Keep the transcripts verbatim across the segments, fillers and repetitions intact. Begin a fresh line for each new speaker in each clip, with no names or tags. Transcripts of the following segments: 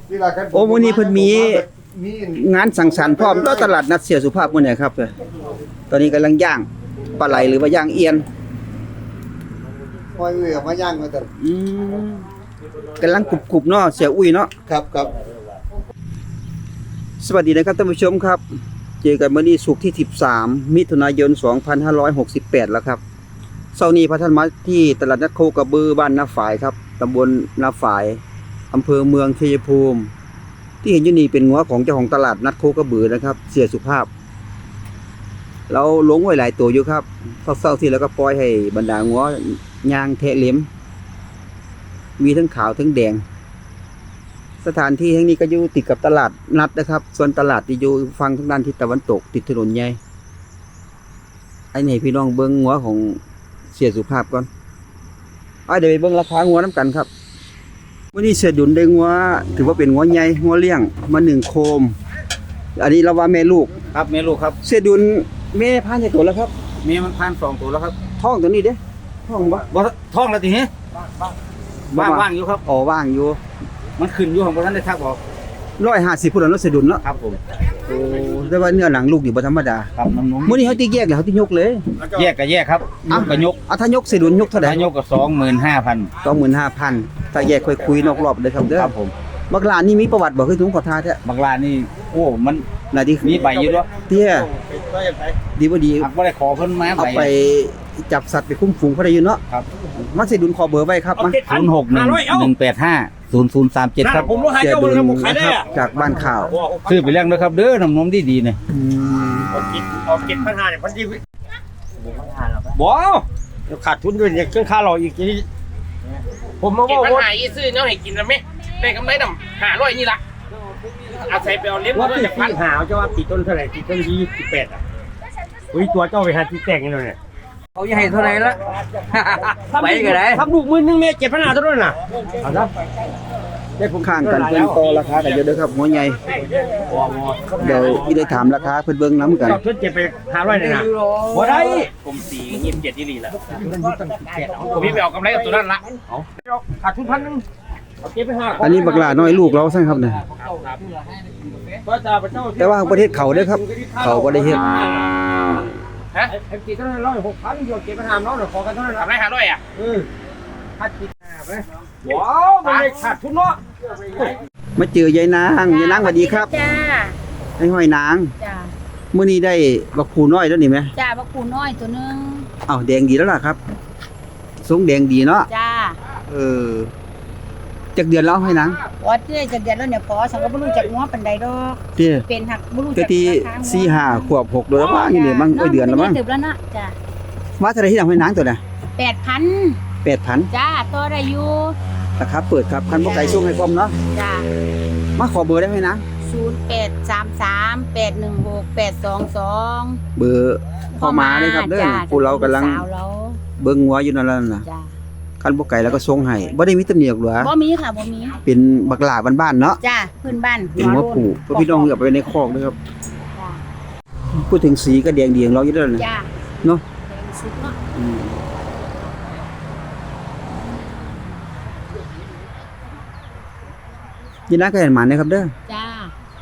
โอ้มื้อนี้เพิ่นมีงานสังสรรค์พร้อมแล้วตลาดนัดเสียสุภาพมื้อนี้ครับตอนนี้กำลังย่างปลาไหลหรือว่าย่างเอียน
ปล่อยเรือมาย่างมาแต่
อืมกำลังกรุบๆเนาะเสียอุ้ยเนาะ
ครับครับ
สวัสดีนะครับท่านผู้ชมครับเจอกันมื้อนี้ศุกร์ที่สิบสามมิถุนายนสองพันห้าร้อยหกสิบแปดแล้วครับเช้านี้พระท่านมาที่ตลาดนัดโคกระบือบ้านนาฝายครับตำบลนาฝายอำเภอเมืองชัยภูมิที่เห็นอยู่นี่เป็นงัวของเจ้าของตลาดนัดโคกระบือนะครับเสียสุภาพเราลงไว้หลายตัวอยู่ครับเศร้าๆที่แล้วก็ปล่อยให้บรรดางัวยางเทะเล็มมีทั้งขาวทั้งแดงสถานที่แห่งนี้ก็อยู่ติดกับตลาดนัดนะครับส่วนตลาดที่อยู่ฝั่งทางด้านทิศตะวันตกติดถนนใหญ่ไอ้นี่พี่น้องเบิ้งงัวของเสียสุภาพก่อนไอ้เดี๋ยวไปเบิ้งราคางัวน้ำกันครับวันนี้เสียดุลได้งัวถือว่าเป็นงัวใหญ่งัวเลี้ยงมาหนึ่งโคมอันนี้เราว่าแม่ลูก
ครับแม่ลูกครับ
เสียดุลแม่พันในตัวแล้วครับ
แม่มันพันสองตัวแล้วครับ
ท้องตัวนี้เด้ท้องบ่
บ่ท้องแล้วทีนี้ว่างว่างอยู่ครับ
อ๋อว่างอยู่
มันขึ้นอยู่ของพวกท่านได้ทักบอก
ร้อยห้าสิบพุ่นแล้วเสียดุลเนาะ
ครับผม
โอ้แต่ว่าเนื้อหนังลูกนี่บ่ธรรมดา
ครับน้ำนุ่ม
มื้อนี้เขาตีแยกแล้วเขาตียกเลย
แยกก็แยกครับยกก็ยก
อ่ะถ้ายกเสียดุลยกเท่าไหร่
ถ้ายกก็สองหมื่นห้าพัน
สองหมื่นห้าพันถ้าแยกค่อยคุยนอกรอบเลยครับเด้อ
ครับผม
บักลานนี่มีประวัติบ่คือถุงขอทาแท้
บักลานี่โอ้มัน
น่ะดิ
มีใบอยู่ด้วย
เตี้ยดีบ่ดี
บ่ได้ขอเพิ่นมา
เอาไปจับสัตว์ไปคุ้มฝูงเขาได้อยู่เนาะ
ครับ
มันสิดุลขอเบอร์ไว้ครับมา
ศูนย์ หก หนึ่ง หนึ่ง แปด ห้า ศูนย์ ศูนย์ สาม เจ็ดครับ
ผมรู้ให้เจ้าบ่ได้ขายได้จากบ้านข่าว
ซื้อไปเลี้ยงด้วยครับเด้อน้ำนมดีๆเนี่ย
อืม
เอากินเอากินพันห้าเนี่ยพันดี
บ่
ขาดทุนด้วยเนี่ยเครื่องค่าเราอีกทีผมมาว่า
ว่าหายซื้อเนาะให้กินแล้วไหมได้กำไรดำหาร้อยนี่ละอาศัยไปเอาเลี้ยง
ว่าติดพันหาเจ้าว่าติดต้นเท่าไหร่ติดต้นยี่สิบแปดอ่ะอุ้ยตัวเจ้าไปหาที่แต่งนี่เลยเนี่ย
เขาจะให้เท่าไหร่ละไปกันได้
ทำลูกมือนึงเมตรเจ็ดพันห้าเท่านั้นน่ะเอาละ
ได้ผมข้างกันเพิ่นต่อราคากันเยอะเด้อครับหัวใหญ่เดี๋ยวอีได้ถามราคาเพิ่นเบิ่งนำกัน
เจ้าเจ็ดไปหาร้อยเลยนะบ่ได้
กลมสียี่สิบเจ็ดยี่ลีละผมพี่ไปเอากำไรกับตัวนั้นละ
ขาดทุนพันนึง
อันนี้บักหลาน้อยลูกเราซั่นครับเนี่ยแต่ว่าประเทศเขาเด้อครับเขาบ่ได้เฮ็ด
ฮะ
ไอ้กี่เท่านั้นร้อยหกพันโยกเก็บไปหาน้องเดี๋ยวขอกันเท่านั้น
ทำไรหาร้อยอ่ะ
เออขาดกี่ห้าไปว้าวมันเลยขาดทุนเนาะ
มาเจอยายนางยายนางสวัสดีครับ
จ้า
ไอ้ห้อยนาง
จ้า
มื้อนี้ได้บักผูน้อยแล้วนี่มั้ย
จ้าบักผูน้อยตัวนึง
อ้าวแดงดีแล้วล่ะครับทรงแดงดีเนาะ
จ้า
เออจักเดือนแล้วให้นาง
ว่าเด้จักเดือนแล้วเนี่ยพอสังก็บ่รู้จักงัวปานใดดอก
เด้
เป็นหักบ่รู้จัก
ที่สี่ ห้าขวบหกเดือนแล้วมั้งนี่มั้งเดือนแล้วมั้ง
ตึบแล้วนะจ้า
ว่าเท่าไหร่ที่นางให้นางตัวน่ะ
แปดพัน
แปดพัน
จ้าต่อได้อยู่
ราคาเปิดครับคันบ่ไกลส่งให้พร้อมเนาะ
จ้า
มาขอเบอร์ได้ไหมนะ
ศูนย์ แปด สาม สาม แปด หนึ่ง หก แปด สอง สอง
เบอร์พ่อมาเลยครับเด้อผู้เรากำลังเบิ่งงัวอยู่นั่นล่ะนะ
จ้า
คันบ่ไกลแล้วก็ส่งให้บ่ได้มีตำหนิหรอกหรอ
บ่มีค่ะบ่มี
เป็นบักหลาบ้านๆเนาะ
จ้าพื้นบ้าน
เป็นหัวผูเพราะพี่น้องเอาไปในคอกด้วยครับจ้าพูดถึงสีก็แดงดีของเราอยู่แล้วนะ
จ้า
เนาะ
แดงสุดเนาะ
ยินดีก็เห็นหมาเนี่ยครับเด้อ
จ้า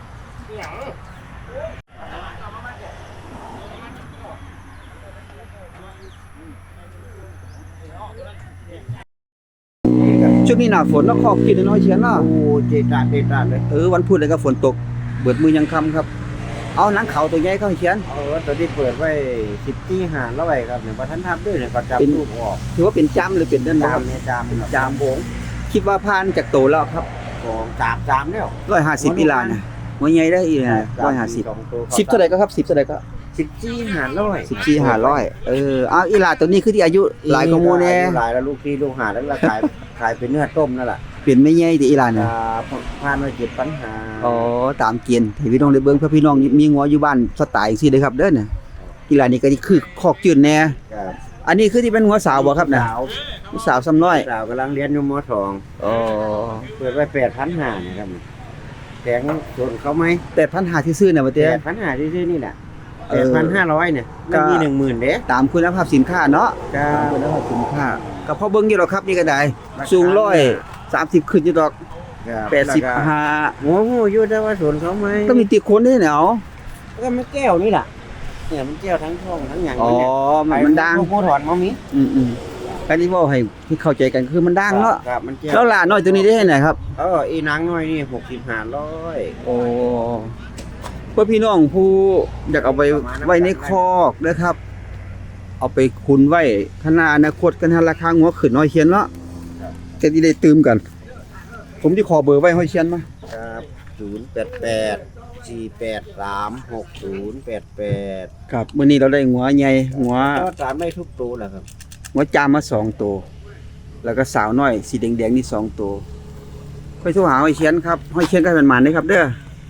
ช่วงนี้หน้าฝนแล้วคอกกินน้อยเชียนเนาะ
โอ้เจตาเจตาเลย
เออวันพุธเลยก็ฝนตกเบิดมือยังค่ำครับเอาหนังเขาตัวใหญ่เข้าเชียน
เออตัวที่เปิดไว้สิบที่หาแล้วไว้ครับเนี่ยบ่ทันทำด้วยเนี่ยก็จับลูกออก
ถือว่าเป็นจ้ำหรือเป็นเดิน
จามเนี่ยจาม
จามโบงคิดว่าผ่านจากโตแล้วครับ
ของจามจามแล้ว
ร้อยห้าสิบปีลานะหัวใหญ่ได้อีกนะร้อยห้าสิบสิบเท่าไหร่ก็ครับสิบเท่าไหร่ก็
สิบสี่หาร้อย
สิบสี่หาร้อยเออเอาอีหลาตัวนี้คือที่อายุหลายกว่าโมแน่
หลายแล้วลูกที่ลูกหาแล้วราคาขายเป็นเนื้อต้มนั่นแหละ
เปลี่ยนไม่ใหญ่ที่อีหลาน่ะ
ผ่านมาเจ็ดปัญหา
อ๋อตามเกณฑ์ให้พี่น้องได้เบิ่งเพื่อพี่น้องมีงัวอยู่บ้านสไตล์จังซี่เด้อครับเด้อน่ะอีหลานี่ก็คือคอกจืดแน่
ครับ
อันนี้คือที่เป็นงัวสาวบ่ครับน่ะสาวซ้ำน้อย
สาวกำลังเรียนอยู่ม.สอง
อ๋อ
เปิดไว้แปดพันห้าร้อยนะครับแข็งส่วนเขามั้ย
แปดพันห้าร้อยที่ซื้อน่ะบ่เต้
แปดพันห้าร้อยที่ซื้อนี่แหละแปดพันห้าร้อยเนี่ยมันมี หนึ่งหมื่น เด้
ตามคุณภาพสินค้าเนาะตามคุณภาพสินค้าก็พอเบิ่งอยู่หรอกครับนี่ก็ได้สูงหนึ่งร้อยสามสิบขึ้นอยู่ดอกแปดสิบห้า
หัวหูอยู่แต่ว่าสวนเขาไหม
ต้องมีติดคนได้เหรอ
ก็มันแก้วนี่แหละเนี่ยมันแก้วทั้งท้องทั้งอย่าง
อ๋อ
เนี่ย
มันมันดัง
พวกถอนมามี
อืมอืมอันนี้ว่าให้ที่เข้าใจกันคือมันดังเนาะ
ครับมันแก้ว
แล้วหลานน้อยตัวนี้ได้ให้ไหนครับ
เอออีนางน้อยนี่หกสิบห้าร้อย
โอ้เพื่อพี่น้องผู้อยากเอาไปไว้ในคอกนะครับ เอาไปคุนไว้ขนาอนาคตกันหาราคาหัวขึ้นน้อยเชียนเนาะจะที่ได้ตืมกัน ผมที่ขอเบอร์ไว้ห้อยเชียนมา
ครับศูนย์แปดแปดสี่แปดสามหกศูนย์แปดแปด
ครับมื้อนี้เราได้หัวใหญ่หัว
ก็สามได้ทุกตัวแหละครับ
หัวจามมาสองตัวแล้วก็สาวน้อยสีแดงๆนี่สองตัวค่อยโทรหาห้อยเชียนครับห้อยเชียนก็เป็นหมานได้ครับเด้อ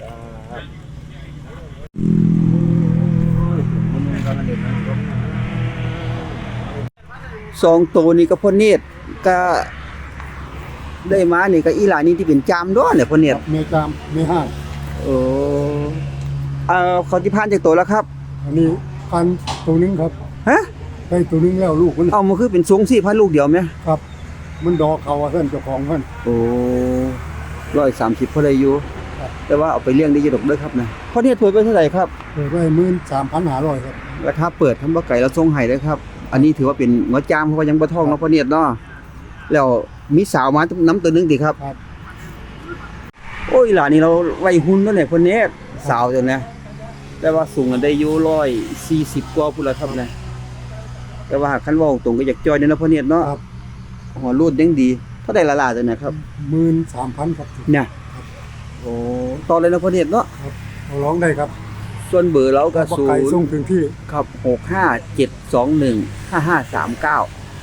สองตัวนี้ก็พ่อเนตรก็ได้มานี่ก็อีหลานี่ที่เป็นจามด้วนเนี่ยพ่อเนตร
เมจามเมห้าง
โอ้เอ่อเขาที่ผ่านจากตัวแล้วครับ
อันนี้พันตัวหนึงครับ
ฮะ
ได้ตัวหนึงแล้วลูกมัน
เอามาคือเป็นสูงสี่พันลูกเดียวไหม
ครับ มันดอกเขาว่าเพิ่นเจ้าของเพิ่น
โอ้ร้อยสามสิบพอได้อยู่
ครับ
แต่ว่าเอาไปเลี้ยงได้เยอะดอกเด้อครับนะพ่อเนตรเปิดไปเท่าไหร่ครับ
เปิดไว้หมื่นสามพันห้าร้อยครับ
ราคาเปิดทำบ่ไก่แล้วส่งให้เด้อครับ อันนี้ถือว่าเป็นหัวจามเพราะว่ายังบ่ท้องเนาะพ่อเนตรเนาะแล้วมีสาวมาน้ำตัวหนึงติครับ
ครับ
โอ้ยหลานนี่เราไว้หุ่นแล้วเนี่ยพ่อเนตรสาวจังนะแต่ว่าสูงกันได้อยู่ร้อยสี่สิบกว่าพุ่นละครับนะแต่ว่าคันเว้าตรงก็อยากจอยเด้อเนาะพ่อเนตรเนาะ
ครับ
หัวรูดยังดีเท่าได้ละลาตัวเนี่ยครับ
หมื่นสามพันครับ
เนี่ยโอ้ต่อเลยเนาะพ่อเนตรเนาะ
เอาร้องได้ครับ
ส่วนเบอร์เราก็
บ่
ศู
ไก่
น
ส่ง
ย์
ถึงที่
ครับหกห้าเจ็ดสองหนึ่งห้าห้าสามเก้า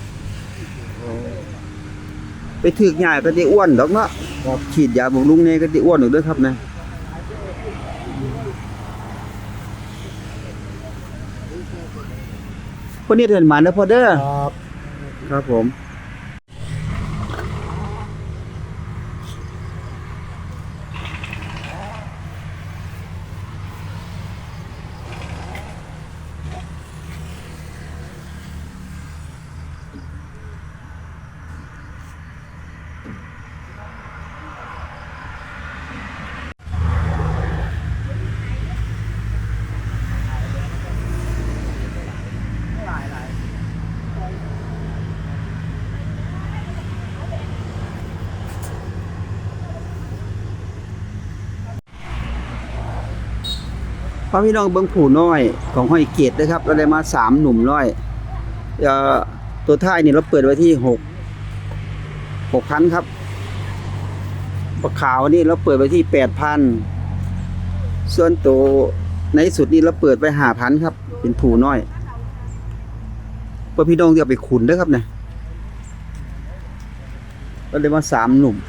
ไปถึกใหญ่ก็ได้อ้วนดอกเนาะฉีดยาบำรุงเนี่ยก็ได้อ้วนดอกเด้อครับนะพวกนี้เดินมาเด้อพ่อเด้อ
ครับ
ครับผมพ่อพี่น้องเบิ่งผู้น้อยของห้อยเกตนะครับเราได้มาสามหนุ่มน้อยเอ่อตัวท้ายนี่เราเปิดไว้ที่หกหกพันครับปลาขาวนี่เราเปิดไว้ที่แปดพันส่วนตัวในสุดนี่เราเปิดไว้ห้าพันครับเป็นผู้น้อยพ่อพี่น้องที่เอาไปขุนเด้อครับเนี่ยเราได้มาสามหนุ่ม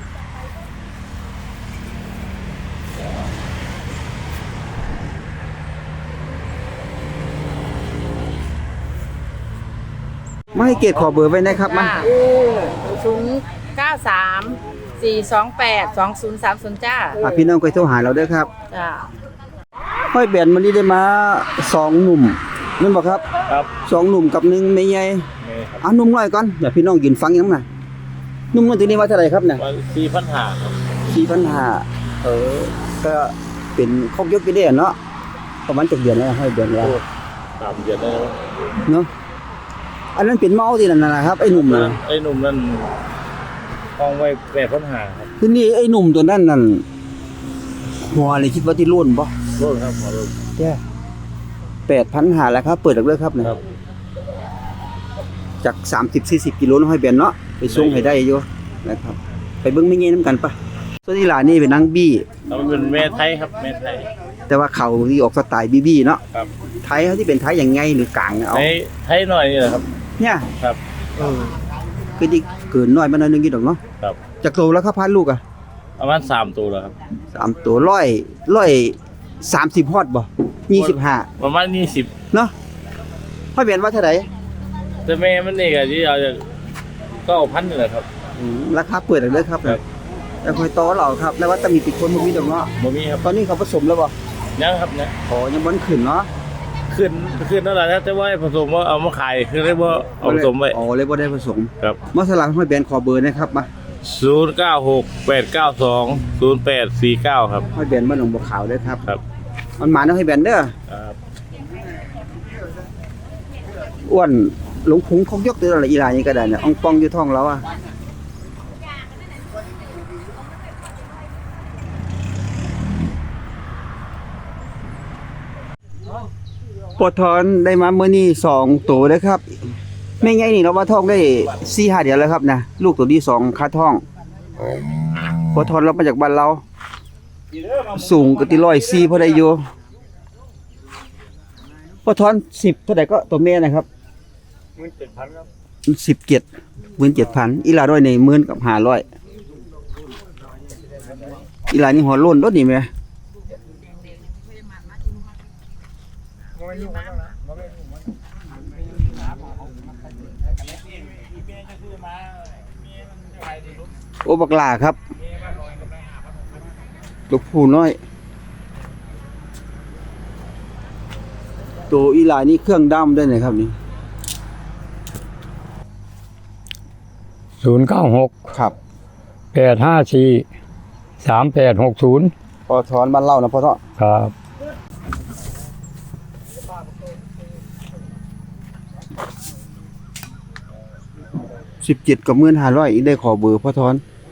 มาให้เกตขอเบอร์ไว้นะครับมา
ศูนย์เก้าสามสี่สองแปดสองศูนย์สามศูนย์จ้า
อ่ะพี่น้องก็โทรหาเราเด้อครับ
จ้า
ห้อยแบนมันนี่ได้มาสองหนุ่มนั่นบอกครับ
ครับ
สองหนุ่มกับหนึ่งไม่ใหญ่อ่ะหนุ่มน้อยก่อนเดี๋ยวพี่น้องยืนฟังยังไงหนุ่มน้อยตัวนี้ว่าเท่าไหร่ครับเนี่ย
สี่พันห้าครับ
สี่พันห้าเออก็เป็นครบยกไปได้เนาะประมาณเจ็ดเดือนแล้วห้อยแบนแล้ว
สามเดือนแล้ว
เนาะอันนั้นเป็นเมาที่นั่นนะครับไอ้หนุ่มนะ
ไอ้หนุ่มนั่นห้องไว้แปดพันห้าครับ
ทีนี้ไอ้หนุ่มตัวนั้นนั่นหัวเลยคิดว่าที่รุ่นปะ
รถครับหัวรถ
แย่แปดพันหาแล้วครับเปิดหลักเลิกครับเนี่ย
ครับ
จากสามสิบสี่สิบกิโลน้อยแบนเนาะไปส่งให้ได้อยู่นะครับไปเบิ้งไม่เงี้ยน้ำกันปะส่วนที่หลานนี่เป็นนางบี้
แล้วมันเป็นแม่ไทยครับแม่ไทย
แต่ว่าเขาที่ออกสไตล์บี้บี้เนาะ
ครับ
ไทยเขาที่เป็นไทยอย่างไงหรือกลางเอา
ไทยไทยหน่อยนี่แหละครับ
เนี่ย
ครับ
เออคือที่เกินน้อยมาหน่อยนึงกี่ดอกเนาะ
ครับ
จากโตแล้วครับพันลูกอ่ะ
ประมาณสามตัวแล้วครับ
สามตัวร้อยร้อยสามสิบฮอดบ่ยี่สิบห้า
ประมาณยี่สิบ
เนาะพ่อเบียนว่าเท่าไหร่
แต่แม่มันนี่ก็ที่เราจะก็เอาพันนี่แหละครับ
อืมราคาเปิดหลักเลิกครับ
ครับ
แล้วคอยต่อเราครับแล้วว่าจะมีติดคนบ่มีดอกเนาะ
บ่มีครับ
ตอนนี้เขาผสมแล้วบ่
ยังครับนะ
อ๋อยังบ่ขึ้นเนาะ
ขึ้นขึ้นนั่นแหละนะแต่ว่าผสมว่าเอามาขายคือเรียกว่าเอาผสมไว้
อ๋อเลยบ่ได้ผสม
ครับ
มาสลักห้อยแบนขอเบอร์นะครับมา
ศูนย์เก้าหกแปดเก้าสองศูนย์แปดสี่เก้าครับ
ห้อยแบนบ้านหนองบัวขาวเด้อครับ
ครับ
มันหมาเนาะห้อยแบนเด้อ
ครับ
อ้วนหลงพุงเขายกตัวอะไรอีหลายนี่ก็ได้เนี่ยอ่องปองอยู่ท้องเราอ่ะปวดทอนได้มาเมื่อนี้สองตัวเด้อครับไม่ไงนี่เราว่าท้องได้สี่ห้าเดือนแล้วครับนะลูกตัวที่สองคาท้องปวดทอนเรามาจากบ้านเรา สูงก็ติร้อยสี่พอได้อยู่ปวดทอนสิบเท่าไหร่ก็ตัวแม่นะครับสิบเจ็ดหมื่นเจ็ดพันอีหลาด้วยในหมื่นกับห้าร้อยอีหลานี่หัวโล้นรถนี่ไหมโอ้บักหลาครับลูกผู้น้อยตัวอีหลานี่เครื่องดำได้เลยครับนี่
ศูนย์เก้าหก
ครับ
แปดห้าสี่สามแปดหกศูนย์
พอถอนบ้านเล่านะพ่อเนาะ
ครับ
สิบเจ็ดกับหมื่นห้าร้อยอีกได้ขอเบอร์พ่อทอน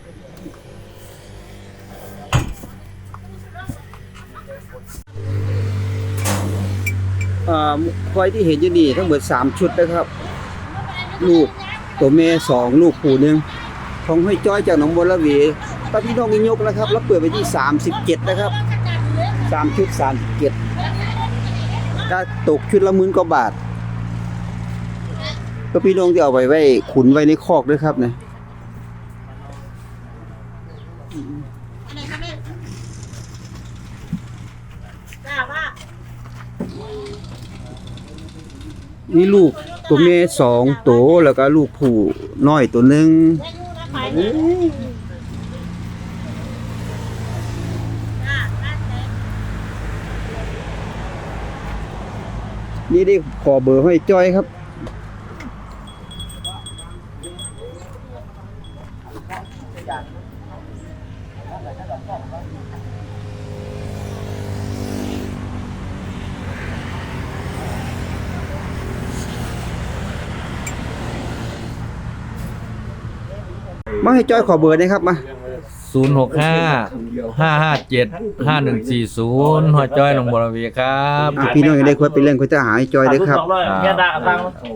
อ่าควายที่เห็นอยู่นี่ทั้งหมดสามชุดนะครับ ลูกตัวแม่สองลูกผู้หนึ่งของห้อยจ้อยจากหนองบัวระเวป้าพี่น้องยิงยกนะครับแล้วเปิดไปที่สามสิบเจ็ดนะครับสามชุดสามสิบเจ็ดก็ตกชุดละหมื่นกว่าบาทก็พี่น้องที่เอาไว้ไว้ขุนไว้ในคอกด้วยครับเนี่ยนี่ลูกตัวแม่สองตัวแล้วก็ลูกผู้น้อยตัวหนึ่งนี่ได้ขอเบอร์ให้จ้อยครับ มาให้จ้อยขอเบอร์นะครับมา
ศูนย์หกห้าห้าห้าเจ็ดห้าหนึ่งสี่ศูนย์หัวจ้อยหนองบัวระเวครับ
อ่ะพี่น้องยังได้ควรไปเล่นควรจะหาให้จ้อยด้วยครับ
แค่ด่าตัง